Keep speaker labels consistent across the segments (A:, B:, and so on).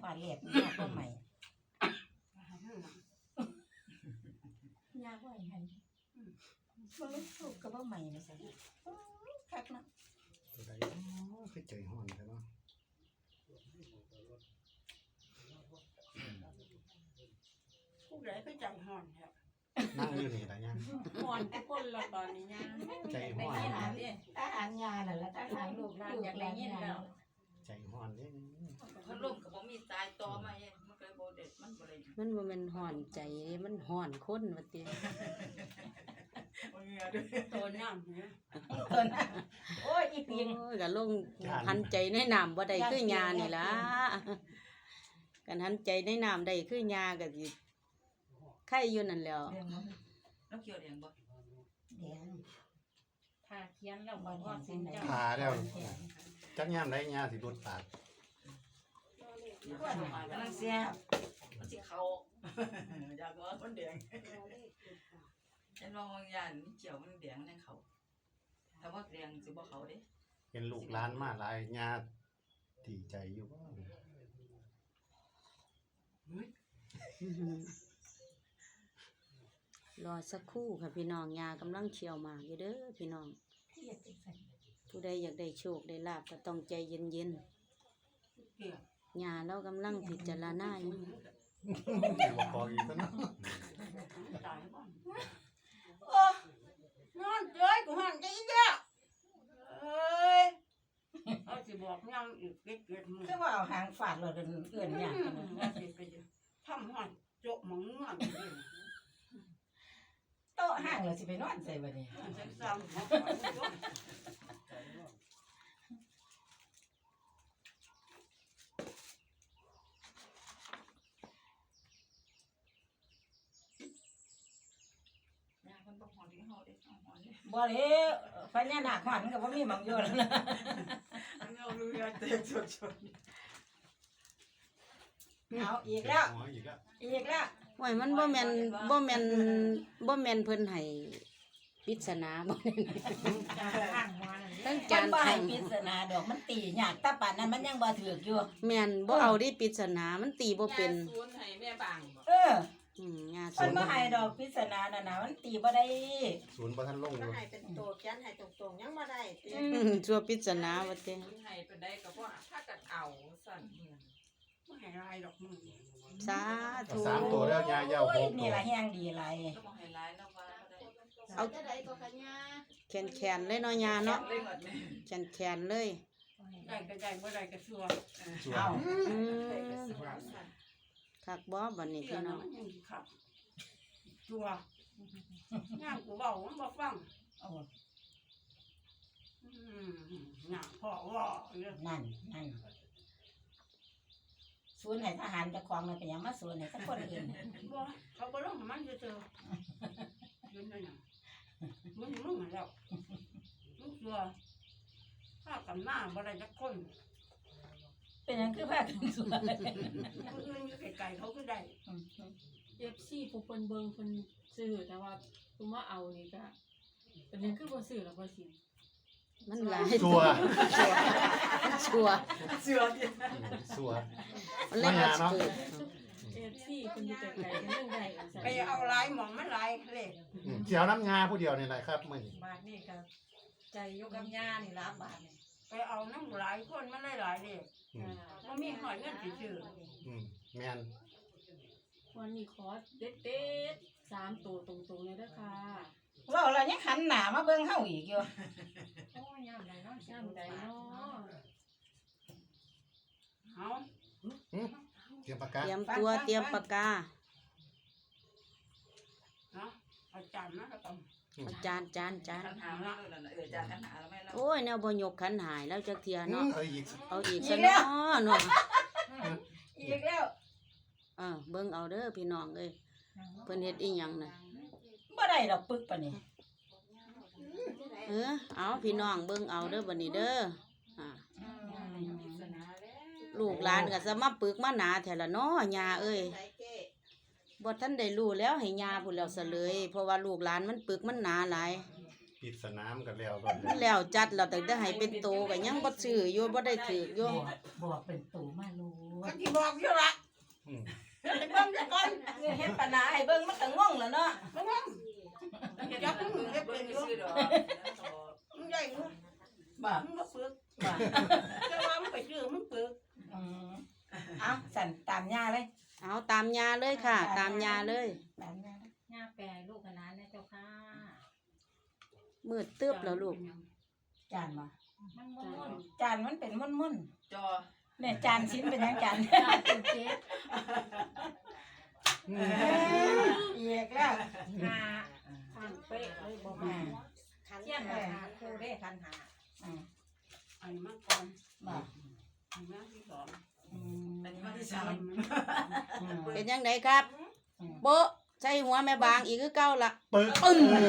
A: ว่าแหลกยากกว่าใหม่ยากกว่าใหม่มันถูกกับว่าใหม่นะสิคักเนาะ
B: ตัวใดคือใจฮ้อนใช่เนาะ
C: ผู้ใดก็ใจห่อนครับ
B: นั่งอยู่นี่ล่ะยัง
C: ห่อนทุกคนละตอนนี้ยัง
B: ใจฮ้อน
A: ทหารยาน่ะแล้วทหารลูกหลานอยากได้ยินแล้ว
B: ใจฮ้อนเด้
C: มันล่มก็บ่มีตายต่อมาเฮ็ดมันก็บ่เด็ดมันบ่ได้
D: มันบ่แม่นฮ้อนใจมันฮ้อนคนว่าติ
C: ตัวน้ำเนี่ย
A: ตัวน่ะโอ้ยอีปิง
D: โอ้ยก็ลงหันใจในน้ำบ่ได้คือยานี่ล่ะกันหันใจในน้ำได้คือยาก็สิไข่อยู่นั่นแหล้ว
C: แล้วเกี่ยวแดงบ่
A: แดง
C: ถ้าเขียนแล้วบ่ว่าสิเจ้า
B: พาแล้วจักยามใดยาสิรุดปาก
A: กำลังเสีย
C: มันสิเข้าอยากว่ามันแดงเห็นว่าบางอย่างมันเกี่ยวมันแดงในเขาถ้าว่าแดงสิบ่เข้าเด้
B: เห็นลูกหลานมาหลายยาดีใจอยู่บ่
D: รอสักครู่ค่ะพี่น้องยากำลังเคี่ยวหมากอยู่เด้อพี่น้องผู้ใดอยากได้โชคได้ลาภก็ต้องใจเย็นๆยาเรากำลังพิจารณาอยู่
B: บ่พออีกซะเนาะ
C: โอ้นอนเจ้ยกูหันใจเด้อเอ้ยเอาสิบอกยังอีกเก็ดๆมื้อ
A: คือว่าเอาหางฟาดเราเอื่นยากกันนะ
C: ทำหันโจ๊ะหมองนอน
A: โต๊ะห้างเราสิไปนอนใส่บัดนี้บ่เลยพญานาคหอนก็บ่มีหม่องอยู่แล้วนะ
C: เอาเรือเตะชด
A: เอาอีกแล้วอีกแล้ว
D: โอ้ยมันบ่แม่นเพิ่นให้ปริศนาบ่ตั้งจาน
A: บ่ให้ปริศนาดอกมันตียากแต่ป่านนั้นมันยังบ่ถูกอยู่
D: แม่นบ่เอาดิปริศนามันตีบ่เป็น
C: ศูนย์ให้แม่บาง
D: งา
A: มันบ่ให้ดอกปริศนาน่ะนะมันตีบ่ได้
B: ศูนย์บ่ทันลงอยู่
C: ให้เป็นโตเขียนให้ตรงๆยังบ่ได้
D: ชัวปริศนาว่าติ
C: ให้เป็นได้ก็บ่ถ้ากันเอาสั่นบ่ให้ลายดอกมือ
D: สาธุ
B: 3ตัวแล้วยาเยาว6
A: นี่ล่ะแฮงดีหลาย
C: ก็บ่ให้ลายแล้วว่าบ่ได้
D: เอา
C: จะได้ก็ขยะ
D: แขนเลยเนาะยาเนาะแขนเลย
C: ได้ก็ได้บ่ได้ก็ชัว
A: เอา
D: คักบ่บัดนี้พี่น้อง
C: ชัวย่างกูเว้ามันบ่ฟังน่ะพ่อว่า
A: นั่นศูนย์ให้ทหารจะครองมันเป็นหยังมาศูนย์ให้สักคนอื่น
C: บ่เขาบ่ลงมันเจอยืนนั่นน่ะมึงแล้วมึงชัวถ้ากันหน้าบ่ได้จักคน
A: เป็นหยังคือพากันศูนย์
C: คนอื่นอยู่ไกลๆเขาก็ได้
E: FC ผู้เพิ่นเบิ่งเพิ่นซื้อแต่ว่าผู้มาเอานี่ก็เป็นหยังคือบ่ซื้อล่ะบ่สิ
D: มันหลาย
B: ชัว
D: มันเล่นมาเนาะ
E: FC เพิ่นอยู่ไกลๆกันจังได๋
C: ไปเอาหลายหม่องมันหลายเลข
B: เกี่ยวน้ำงาผู้เดียวนี่แหละครับมื้อนี้
A: บาทนี่ก็ใจอยู่กับย่านี่ล่ะบาทนี่
C: ไปเอาน้ำหลายคนมันหลายเลขบ่มีหอยเงินสิซื้อ
B: แม่น
E: วันนี้ขอเด็ดๆ3ตัวตรงๆเลยเด้อค่ะ
A: เว้าแล้วยังหันหน้ามาเบิ่งเฮาอีกอยู่
E: โอ้ยยามใดเนาะยามใดเนาะ
C: เอา
B: เตรียมปากกา
D: เตรียมตัวเตรียมปากกา
C: เนาะอาจารย์นะก็ต้อง
D: จาน
C: ขันหาแล้วนั่นน่ะจานขันหาแล้วแม่แล้ว
D: โอ้ยแนวบ่ยกขันหายแล้วจักเที่ยเนาะเอาอีกซะ
A: เนา
D: ะ
A: อีกแล้ว
D: เบิ่งเอาเด้อพี่น้องเอ้ยเพิ่นเฮ็ดอีหยังน่ะ
A: บ่ได้ดอกปึกปานนี้
D: เอาพี่น้องเบิ่งเอาเด้อบัดนี้เด้อลูกหลานก็จะมาปึกมาหนาแท้ละเนาะย่าเอ้ยบ่ทันได้รู้แล้วให้ย่าพู้นแล้วซะเลยเพราะว่าลูกหลานมันปึกมันหนาหลาย
B: ปริศนามันก็แล้ว
D: แล้วจัดแล้วตั้งแต่ให้เป็นโตก็ยังบ่ซื้ออยู่บ่ได้ถืออยู่
A: บอกเป็นโตมาลูก
C: ก็ที่บอกอยู่ละ
B: อืม
C: เดี๋ยวไปเบิ่งซะก่อน
A: เฮ็ดปัญหาให้เบิ่งมันก็งงแล้วเนาะ
C: เบิ่งว่าจักมึงเฮ็ดเป็นอยู่มึงใหญ่มึง
A: บ่
C: มึงบ่ฝึก
A: บ่
C: แต่ว่ามึงไปซื้อมึงฝึก
A: เอาสั่นตามย่าเลย
D: เอาตามยาเลยค่ะ ตามยาเลย
A: ตามย่า
F: หน้าแปรลูกกับน้านะเจ้าค่ะ
D: มืดตึบแล้วลูก
A: จานบ่
F: มันม่วน
A: จานมันเป็นม่วน
C: จอ
A: ๆเนี่ยจานชิ้นเป็นหยังจาน
F: ๆตาเป็นเจ็ด
A: อีกแล้ว
F: หาทางเป๊ะเลยบอกมาเทียนมาหาครูได้คันหา
C: อันนี้มาก่อน
A: บ่
C: อันนี้มาที่สอง
A: อันนี้มาที่
C: สา
A: สาม ม
D: เป็นยังไงครับโบะใส่หัวแม่บางอีกคือเก่าละ
B: ปึ๊ก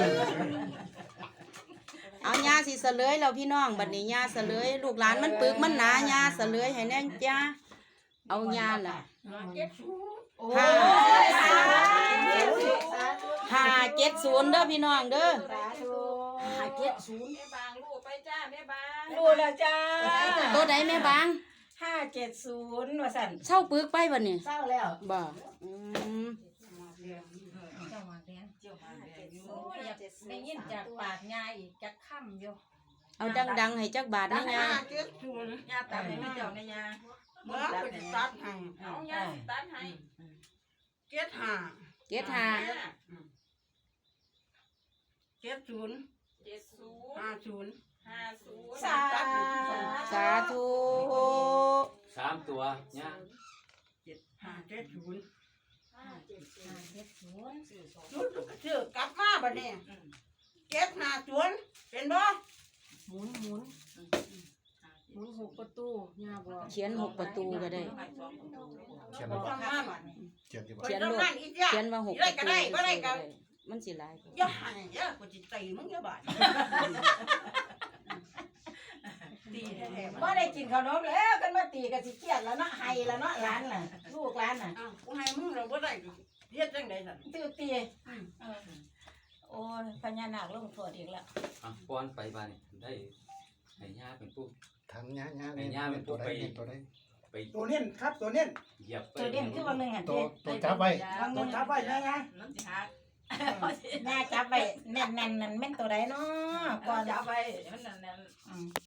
D: เอายาสิเสลยแล้วพี่น้องบัดนี้ยาเสลยลูกหลานมันปึกมันหนายาเสลยให้แน่จ้าเอายาล่ะ
A: โอ้
D: ห้า
A: ยสาธุ
D: 570เด้อพี่น้องเด้อ
A: สาธุ
F: แม่บางลูกไปจ้าแม่บาง
A: ดูแล้วจ้า
D: ตัวใดแม่บาง
A: 570ว่าสั่น
D: เศร้าปึกไปบัดนี้
A: เศร้าแล้ว
D: บ่อืม
F: เจ้ามาแดงโอ้ยอยากได้ยินจากปากยายอีกจักค่ำอยู่
D: เอาดังๆให้จักบาทนะยา
C: ย่าตัดให้แม่เจ้าในยาเมื่อไปตัดให้
F: เอายายตัดให้
C: เจ็ดห้า
D: เจ็ดหา
C: 70
F: 70
C: 50
F: 50
A: สา
D: สาธุ
G: 3 ตัวเนี่ย
C: 570
F: 50
C: ชุดซื้อกลับมาบัดนี้750เป็นบ่
E: หมุนหกประตูยาบอก
D: เขียน6ประตูก็ได้
B: เขียน
C: บ่
B: ว่า
C: ต้องมาบัด
B: เขียนที่ว่า
D: เขียน
C: ต้อง
D: โลด
C: นั่นอีกจ้ะ
D: เขียนว่า6ประตู
C: ได้ก็ได้
D: มันสิหลาย
C: อย่าให้อย่ากูสิตีมึงอย่าบาดตีแท้ๆ
A: บ่ได้กินขนมแล้วกันมาตีกันสิเครียดแล้วเนาะไห้แล้วเนาะหลานน่ะลูกหลานน่ะ
C: อ้าวกูให้มึงเราบ่ได้เฮ็ดจังได๋ซั่น
A: ตีโอ้ยพญานาคลงโทษอีกแล้ว
G: อ่ะป้อนไปบ้านนี่ได้ให้ย่าเป็นผู้
B: ทำย่า
G: ให้ย่าเป็นผู้
B: ตัวใด
G: ไป
B: เนี่ยตัวใด
G: ไป
H: ตัวเน้นครับตัวเน้น
G: เหยียบไป
A: ตัวเด่นคือว่านึงอ่ะ
B: ตัวจับไว้
H: ตัวทับไว้นะนะ
A: แม่จับไปแน่นๆนั่นแม่นตัวใดเนาะก่อน
F: จับไปมันนั่น